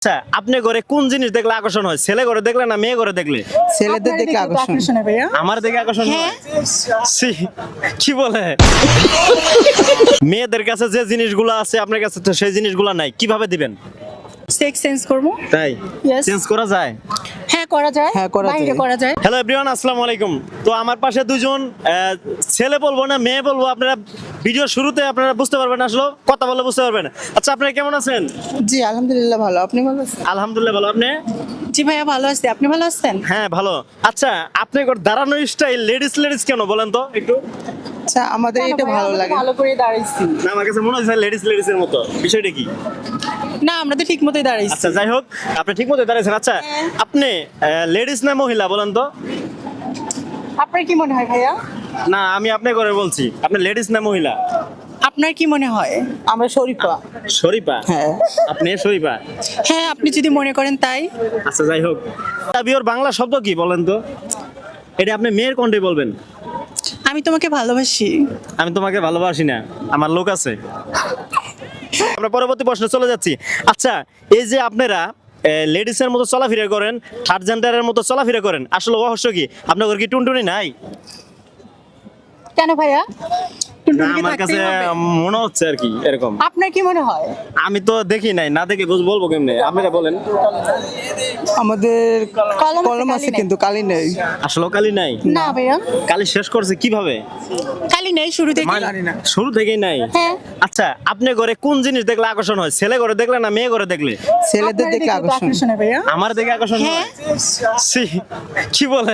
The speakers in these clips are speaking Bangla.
আচ্ছা, আপনি ঘরে কোন জিনিস দেখলে আকর্ষণ হয়? ছেলে ঘরে দেখলে না মেয়ে ঘরে দেখলে? ছেলেদের দেখে আকর্ষণ হয় ভাইয়া। আমার দেখে আকর্ষণ হয়? ছি, কি বলে? মেয়েদের কাছে যে জিনিসগুলো আছে আপনার কাছে তো সেই জিনিসগুলো নাই, কিভাবে দিবেন? সেক্স সেন্স করব। তাই Yes. চেঞ্জ করা যায়? হ্যাঁ করা যায়, হ্যাঁ, করা বাইরে যায়। করা যায়। হ্যালো এভরিওয়ান, আসসালামু আলাইকুম। তো আমার পাশে দুজন ছেলে বলবো না মেয়ে বলবো, আপনারা ভিডিও শুরুতে আপনারা বুঝতে পারবেন, আসলে কথা বলে বুঝতে পারবেন। আচ্ছা, আপনারা কেমন আছেন? জি আলহামদুলিল্লাহ ভালো। আপনি ভালো আছেন? আলহামদুলিল্লাহ ভালো। আপনি? জি ভাইয়া ভালো আছি, আপনি ভালো আছেন? হ্যাঁ ভালো। আচ্ছা, আপনার দাঁড়ানো স্টাইল লেডিস লেডিস কেন বলেন তো একটু? আচ্ছা আমাদের এটা ভালো লাগে। ভালো করে দাঁড়াইছি। না, আমার কাছে মনে হচ্ছে লেডিস লেডিস এর মতো। বিষয়টা কি? না আমরা তো ঠিক মতোই দাঁড়াইছি। আচ্ছা যাই হোক, আপনি ঠিক মতো দাঁড়িয়েছেন। আচ্ছা, আপনি লেডিস না মহিলা বলেন তো? আপনার কি মনে হয় ভাইয়া? না, আমি আপনার করে বলছি, আপনি লেডিস না মহিলা? আপনার কি মনে হয়? আমরা শরীফা। শরীফা? হ্যাঁ। আপনি শরীফা? হ্যাঁ আপনি যদি মনে করেন তাই। আচ্ছা যাই হোক, বিয়ের বাংলা শব্দ কি বলেন তো? এটা আপনি মেয়ের কণ্ঠে বলবেন। আমি তোমাকে ভালোবাসি। আমি তোমাকে ভালোবাসি না, আমার লোক আছে। আমরা পরবর্তী প্রশ্নে চলে যাচ্ছি। আচ্ছা, এই যে আপনারা লেডিসের মতো চলাফেরা করেন, থার্ড জেন্ডারের মতো চলাফেরা করেন, আসলে রহস্য কি? আপনার কি টুনটুনি নাই? কেন ভাইয়া? না, আমার কাছে মনে হচ্ছে আর কি এরকম। আপনার কি মনে হয়? আমি তো দেখি নাই, না দেখে বলবো কেমনে? আপনারা বলেন। আমাদের কলম আছে, কলম আছে কালি নেই। কিন্তু কালি নেই। আসলে কালি নাই? না ভাইয়া কালি শেষ করছে কিভাবে? খালি নেই শুরু থেকে। শুরু থেকেই নাই? হ্যাঁ। আচ্ছা, আপনার ঘরে কোন জিনিস দেখলে আকর্ষণ হয়? ছেলে ঘরে দেখলে না মেয়ে ঘরে দেখলে? ছেলেদের দেখে আকর্ষণ। হয় ভাইয়া। আমার দেখে আকর্ষণ হয়? হ্যাঁ। ছি, কি বলে?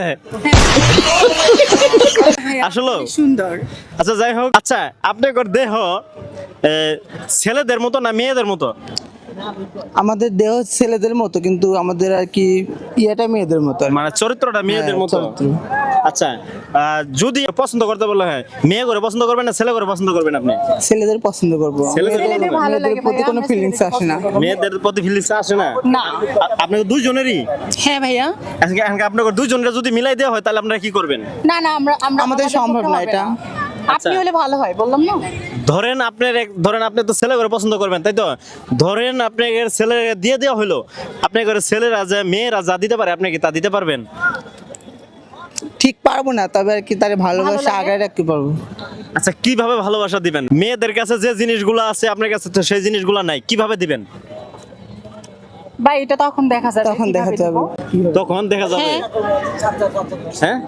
আসলে সুন্দর। আচ্ছা যাই হোক, আচ্ছা আপনার দেহ ছেলেদের মতো না মেয়েদের মতো? আমাদের দেহ ছেলেদের মতো কিন্তু আমাদের আর কি ইয়েটা মেয়েদের মতো আর কি। মানে চরিত্রটা মেয়েদের হ্যাঁ, মতো? চরিত্র। আচ্ছা, যদি পছন্দ করতে বললে হয়, মেয়ে করে পছন্দ করবেন না ছেলে করে পছন্দ করবেন আপনি? ছেলেদের পছন্দ করবো। ছেলেদের ছেলেদের ভালো মেয়েদের লাগে প্রতি ভাইয়া, কোনো আমরা ফিলিংস ছেলেদের আসে না। পছন্দ করবো। মেয়েদের প্রতি ফিলিংস আসে না? না। আপনাদের দুইজনেরই? হ্যাঁ ভাইয়া। আজকে আপনাদের দুইজনের যদি মিলাই দেওয়া হয় তাহলে আপনারা কি করবেন? না না আমরা আমাদের সম্ভব পক্ষে না হবে এটা। আপনি হলে ভালো হয় বললাম না। ধরেন আপনি তো ছেলে করে পছন্দ করবেন, তাই তো? ধরেন আপনার ছেলে দিয়ে দেওয়া হলো, আপনার ঘরে ছেলেরা যা মেয়েরা যা দিতে পারে আপনি কি তা দিতে পারবেন? ঠিক পারবো না, তবে আর কি তার ভালোবাসা ভালো লাগে। আগায় রাখতে পারবো। আচ্ছা, কিভাবে ভালোবাসা দিবেন? মেয়েদের কাছে যে জিনিসগুলো আছে আপনার কাছে তো সেই জিনিসগুলো নাই, কিভাবে দিবেন? ভাই এটা তখন দেখা যাবে। তখন দেখা কিভাবে যাবে দিব। তখন দেখা যাবে। হ্যাঁ।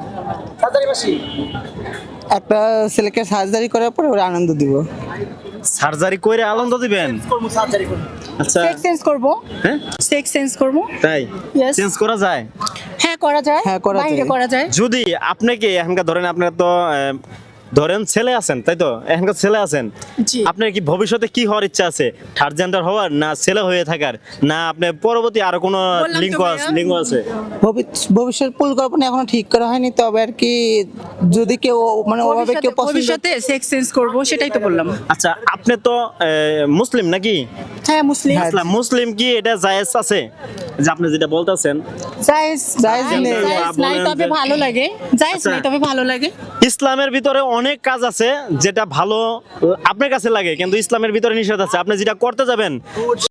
হ্যাঁ, একটা ছেলেকে সার্জারি করার পরে ওরা আনন্দ দিব। সার্জারি করে আনন্দ দিবেন? আচ্ছা, সেক্স সেন্স করব। হ্যাঁ সেক্স সেন্স করব। তাই Yes. চেঞ্জ করা যায়? হ্যাঁ করা যায়। হ্যাঁ, করা বাইরে যায়। করা যায়। যদি আপনাকে এখনকার ধরেন আপনার তো ধরেন ছেলে আছেন, তাই তো? এখনকার ছেলে আছেন, জি। আপনার কি ভবিষ্যতে কি হওয়ার ইচ্ছা আছে? থার্ড জেন্ডার হওয়ার, না ছেলে হয়ে থাকার, না আপনার পরবর্তী আরো কোনো বললাম তো লিঙ্গ ভাইয়া। লিঙ্গ আছে? ভবিষ্যৎ পরিকল্পনা এখনো ঠিক করা হয়নি, তবে আর কি যদি কেউ মানে ওভাবে কেউ পছন্দ। ভবিষ্যতে সেক্স সেন্স করব সেটাই তো বললাম। আচ্ছা, আপনি তো মুসলিম নাকি? হ্যাঁ মুসলিম। হ্যাঁ। ইসলাম মুসলিম কি এটা জায়েজ আছে যে আপনি যেটা বলতেছেন? জায়েজ জায়েজ নেই। জায়েজ নাই বলেন তবে যে- ভালো লাগে। জায়েজ আচ্ছা। নাই তবে ভালো লাগে। ইসলামের ভিতরে অনেক কাজ আছে যেটা ভালো আপনার কাছে লাগে, কিন্তু ইসলামের ভিতরে নিষেধ আছে। আপনি যেটা করতে যাবেন